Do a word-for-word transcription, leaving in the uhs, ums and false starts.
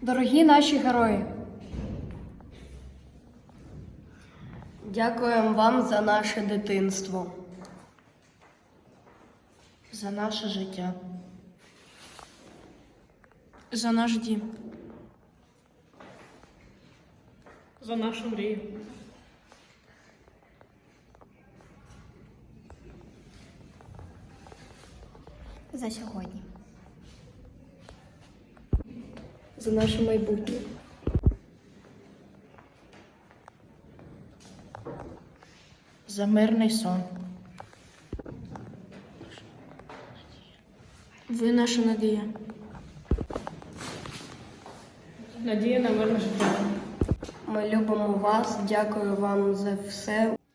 Дорогі наші герої, Дякуємо вам за наше дитинство, за наше життя, За наш дім. За нашу мрію. За сьогодні. за наше майбутнє. за мирний сон. Ви наша надія. Надія на мирне життя. Ми любимо вас, дякую вам за все.